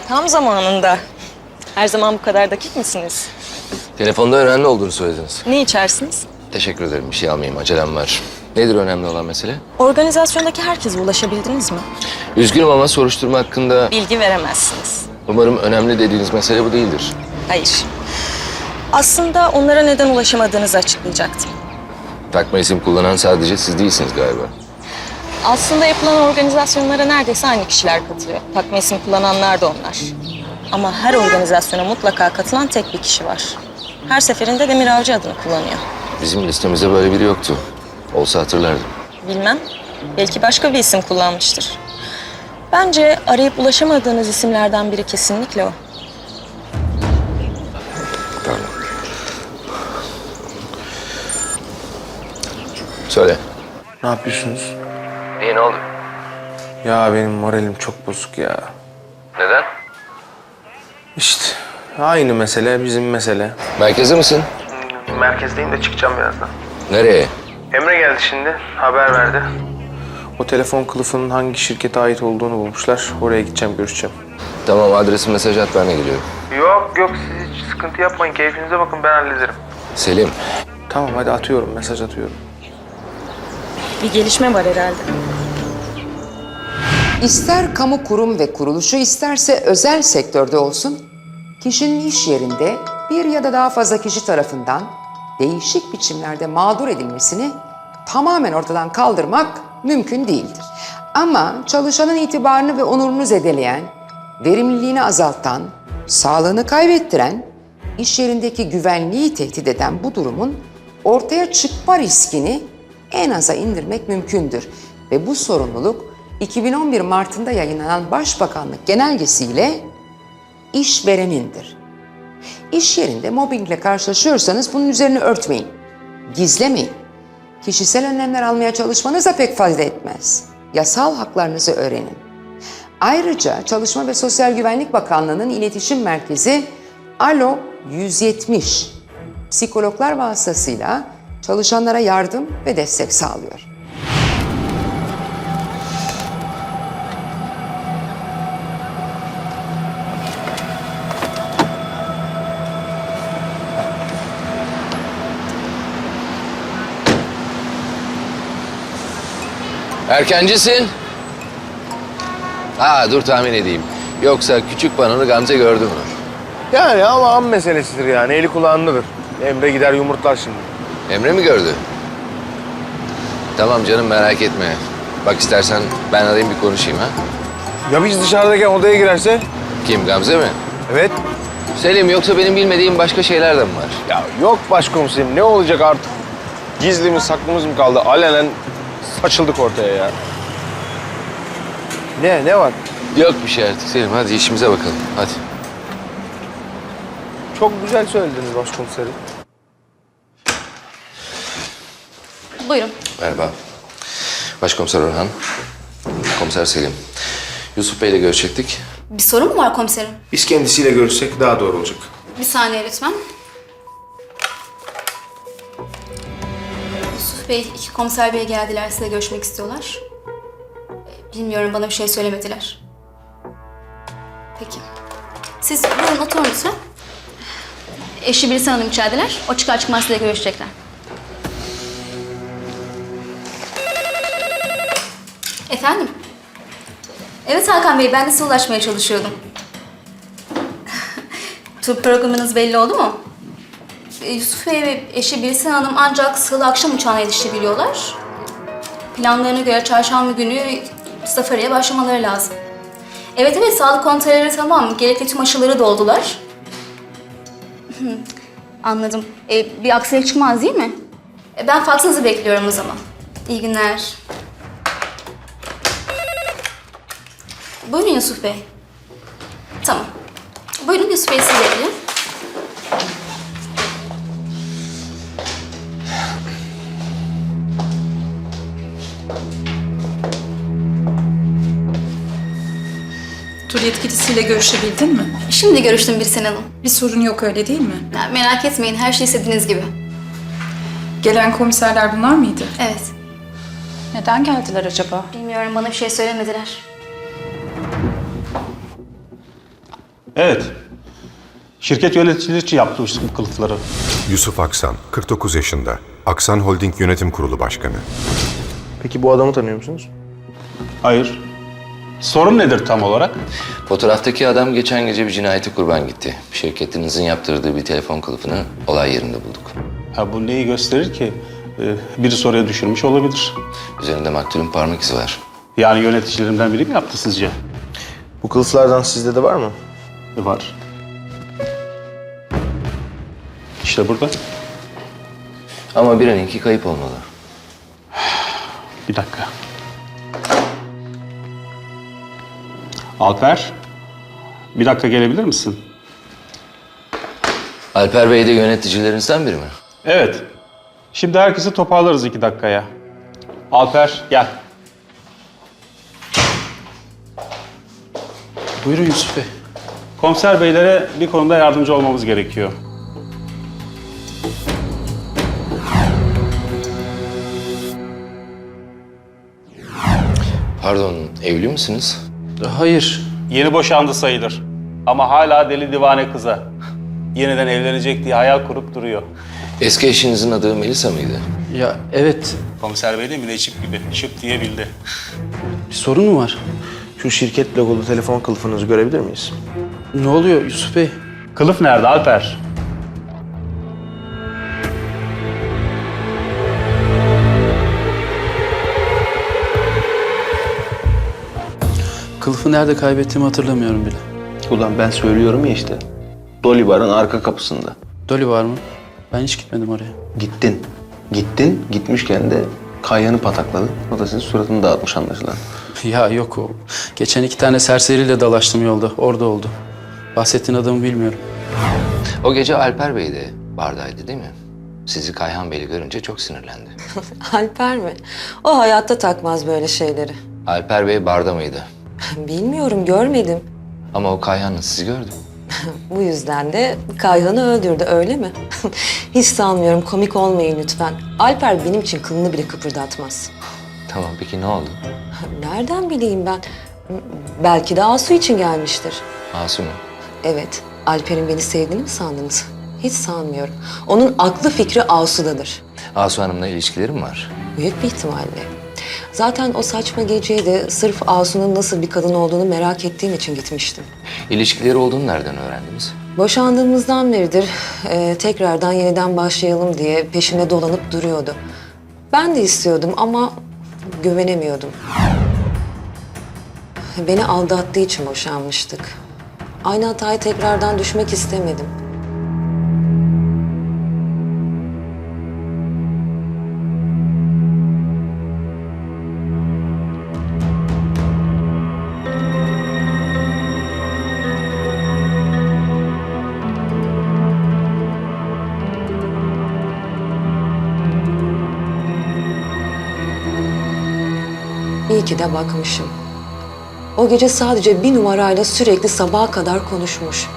Tam zamanında. Her zaman bu kadar dakik misiniz? Telefonda önemli olduğunu söylediniz. Ne içersiniz? Teşekkür ederim. Bir şey almayayım. Acelem var. Nedir önemli olan mesele? Organizasyondaki herkese ulaşabildiniz mi? Üzgünüm ama soruşturma hakkında Bilgi veremezsiniz. umarım önemli dediğiniz mesele bu değildir. Hayır. Aslında onlara neden ulaşamadığınızı açıklayacaktım. Takma isim kullanan sadece siz değilsiniz galiba. Aslında yapılan organizasyonlara neredeyse aynı kişiler katılıyor. Takma isim kullananlar da onlar. Ama her organizasyona mutlaka katılan tek bir kişi var. Her seferinde Demir Avcı adını kullanıyor. Bizim listemizde böyle biri yoktu. Olsa hatırlardım. Bilmem. Belki başka bir isim kullanmıştır. Bence arayıp ulaşamadığınız isimlerden biri kesinlikle o. Pardon. Söyle. Ne yapıyorsunuz? İyi, ne oldu? Ya benim moralim çok bozuk ya. Neden? İşte aynı mesele bizim mesele. Merkezde misin? Merkezdeyim de çıkacağım birazdan. Nereye? Emre geldi şimdi, haber verdi. O telefon kılıfının hangi şirkete ait olduğunu bulmuşlar. Oraya gideceğim, görüşeceğim. Tamam, adresi mesaj at, ben de geliyorum. Yok, siz hiç sıkıntı yapmayın. Keyfinize bakın, ben hallederim. Selim. Tamam, hadi atıyorum, mesaj atıyorum. Bir gelişme var herhalde. İster kamu kurum ve kuruluşu isterse özel sektörde olsun, kişinin iş yerinde bir ya da daha fazla kişi tarafından değişik biçimlerde mağdur edilmesini tamamen ortadan kaldırmak mümkün değildir. Ama çalışanın itibarını ve onurunu zedeleyen, verimliliğini azaltan, sağlığını kaybettiren, iş yerindeki güvenliği tehdit eden bu durumun ortaya çıkma riskini en aza indirmek mümkündür. Ve bu sorumluluk 2011 Mart'ında yayınlanan Başbakanlık genelgesiyle işverenindir. İş yerinde mobbingle karşılaşıyorsanız bunun üzerine örtmeyin, gizlemeyin. Kişisel önlemler almaya çalışmanız da pek fayda etmez. Yasal haklarınızı öğrenin. Ayrıca Çalışma ve Sosyal Güvenlik Bakanlığı'nın iletişim merkezi Alo 170 psikologlar vasıtasıyla çalışanlara yardım ve destek sağlıyor. Erkencisin. Dur tahmin edeyim. Yoksa küçük bananı Gamze gördü mü? Yani ama an meselesidir yani, eli kulağındadır. Emre gider yumurtlar şimdi. Emre mi gördü? Tamam canım, merak etme. Bak istersen ben arayayım, bir konuşayım ha. Ya biz dışarıdayken odaya girerse? Kim, Gamze mi? Evet. Selim, yoksa benim bilmediğim başka şeyler de mi var? Ya yok başkomiserim, ne olacak artık? Gizlimiz saklımız mı kaldı? Alenen saçıldık ortaya ya. Ne var? Yok bir şey artık Selim, hadi işimize bakalım, hadi. Çok güzel söylediniz başkomiserim. Buyurun. Merhaba. Başkomiser Orhan. Komiser Selim. Yusuf Bey'le görüşecektik. Bir sorun mu var komiserim? Biz kendisiyle görüşsek daha doğru olacak. Bir saniye lütfen. Yusuf Bey, iki komiser bey geldiler. Size görüşmek istiyorlar. Bilmiyorum, bana bir şey söylemediler. Peki. Siz buyurun oturun lütfen. Eşi Birsen Hanım içerideler. O çıkar çıkmaz size görüşecekler. Efendim? Evet Hakan Bey, ben de size ulaşmaya çalışıyordum. Tur programınız belli oldu mu? Yusuf Bey ve eşi Birsen Hanım ancak salı akşam uçağına yetişebiliyorlar. Planlarına göre çarşamba günü safariye başlamaları lazım. Evet, sağlık kontrolleri tamam. Gerekli tüm aşıları doldular. Anladım. Bir aksilik çıkmaz değil mi? Ben faksınızı bekliyorum o zaman. İyi günler. Buyurun Yusuf Bey. Tamam. Buyurun Yusuf Bey, sizi bekliyorum. Tur yetkilisiyle görüşebildin mi? Şimdi görüştüm Birsen Hanım. Bir sorun yok öyle değil mi? Ya, merak etmeyin, her şey istediğiniz gibi. Gelen komiserler bunlar mıydı? Evet. Neden geldiler acaba? Bilmiyorum, bana bir şey söylemediler. Evet. Şirket yöneticileri için yaptı bu kılıfları. Yusuf Aksan, 49 yaşında. Aksan Holding Yönetim Kurulu Başkanı. Peki bu adamı tanıyor musunuz? Hayır. Sorun nedir tam olarak? Fotoğraftaki adam geçen gece bir cinayete kurban gitti. Şirketinizin yaptırdığı bir telefon kılıfını olay yerinde bulduk. Ha, bu neyi gösterir ki? Biri soruya düşürmüş olabilir. Üzerinde maktulün parmak izi var. Yani yöneticilerimden biri mi yaptı sizce? Bu kılıflardan sizde de var mı? Var. İşte burada. Ama birininki kayıp olmalı. Bir dakika. Alper, bir dakika gelebilir misin? Alper Bey de yöneticilerinizden biri mi? Evet. Şimdi herkesi toparlarız 2 dakikaya. Alper, gel. Buyurun Yusuf Bey. Komiser beylere bir konuda yardımcı olmamız gerekiyor. Pardon, evli misiniz? Hayır. Yeni boşandı sayılır. Ama hala deli divane kıza. Yeniden evlenecek diye hayal kurup duruyor. Eski eşinizin adı Melisa mıydı? Ya evet. Komiser bey de müneşip gibi şıp diye bildi. Bir sorun mu var? Şu şirket logolu telefon kılıfınızı görebilir miyiz? Ne oluyor Yusuf Bey? Kılıf nerede Alper? Kılıfı nerede kaybettiğimi hatırlamıyorum bile. Ulan ben söylüyorum ya işte. Dolly Bar'ın arka kapısında. Dolly var mı? Ben hiç gitmedim oraya. Gittin. Gittin. Gitmişken de Kayhan'ı patakladın. O da senin suratını dağıtmış anlaşılan. Ya yok o. Geçen 2 tane serseriyle dalaştım yolda. Orada oldu. Bahsettiğin adamı bilmiyorum. O gece Alper Bey de bardaydı değil mi? Sizi Kayhan Bey'le görünce çok sinirlendi. Alper mi? O hayatta takmaz böyle şeyleri. Alper Bey barda mıydı? Bilmiyorum, görmedim. Ama o Kayhan'la sizi gördü. Bu yüzden de Kayhan'ı öldürdü, öyle mi? Hiç sanmıyorum, komik olmayın lütfen. Alper benim için kılını bile kıpırdatmaz. Tamam, peki ne oldu? Nereden bileyim ben? Belki de Asu için gelmiştir. Asu mu? Evet, Alper'in beni sevdiğini mi sandınız? Hiç sanmıyorum. Onun aklı fikri Asu'dadır. Asu Hanım'la ilişkileri mi var? Büyük bir ihtimalle. Zaten o saçma geceye de sırf Asu'nun nasıl bir kadın olduğunu merak ettiğim için gitmiştim. İlişkileri olduğunu nereden öğrendiniz? Boşandığımızdan beridir tekrardan yeniden başlayalım diye peşimde dolanıp duruyordu. Ben de istiyordum ama güvenemiyordum. Beni aldattığı için boşanmıştık. Aynı hataya tekrardan düşmek istemedim. İyi ki de bakmışım. O gece sadece bir numarayla sürekli sabaha kadar konuşmuş.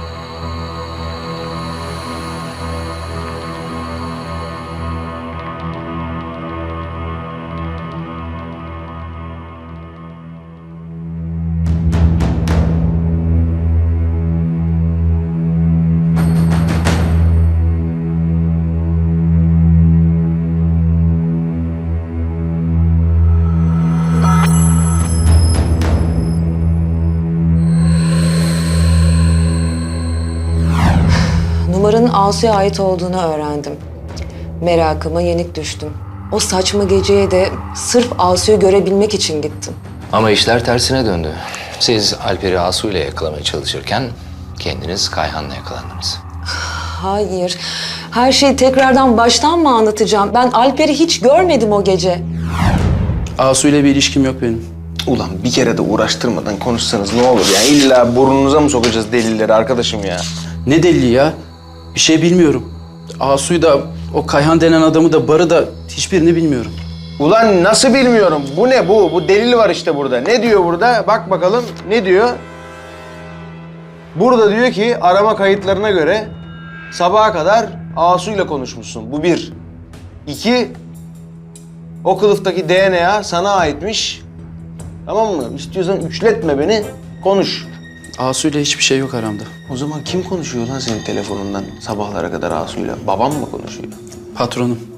Numaranın Asu'ya ait olduğunu öğrendim. Merakıma yenik düştüm. O saçma geceye de sırf Asu'yu görebilmek için gittim. Ama işler tersine döndü. Siz Alper'i Asu ile yakalamaya çalışırken kendiniz Kayhan'la yakalandınız. Hayır, her şeyi tekrardan baştan mı anlatacağım? Ben Alper'i hiç görmedim o gece. Asu ile bir ilişkim yok benim. Ulan bir kere de uğraştırmadan konuşsanız ne olur ya? İlla burnunuza mı sokacağız delilleri arkadaşım ya? Ne delili ya? Bir şey bilmiyorum. Asu'yu da, o Kayhan denen adamı da, Bar'ı da hiçbirini bilmiyorum. Ulan nasıl bilmiyorum? Bu ne bu? Bu delil var işte burada. Ne diyor burada? Bak bakalım ne diyor? Burada diyor ki arama kayıtlarına göre sabaha kadar Asu'yla konuşmuşsun. Bu bir. İki, o kılıftaki DNA sana aitmiş. Tamam mı? İstiyorsan üçletme beni, konuş. Asu'yla hiçbir şey yok aramda. O zaman kim konuşuyor lan senin telefonundan sabahlara kadar Asu'yla? Babam mı konuşuyor? Patronum.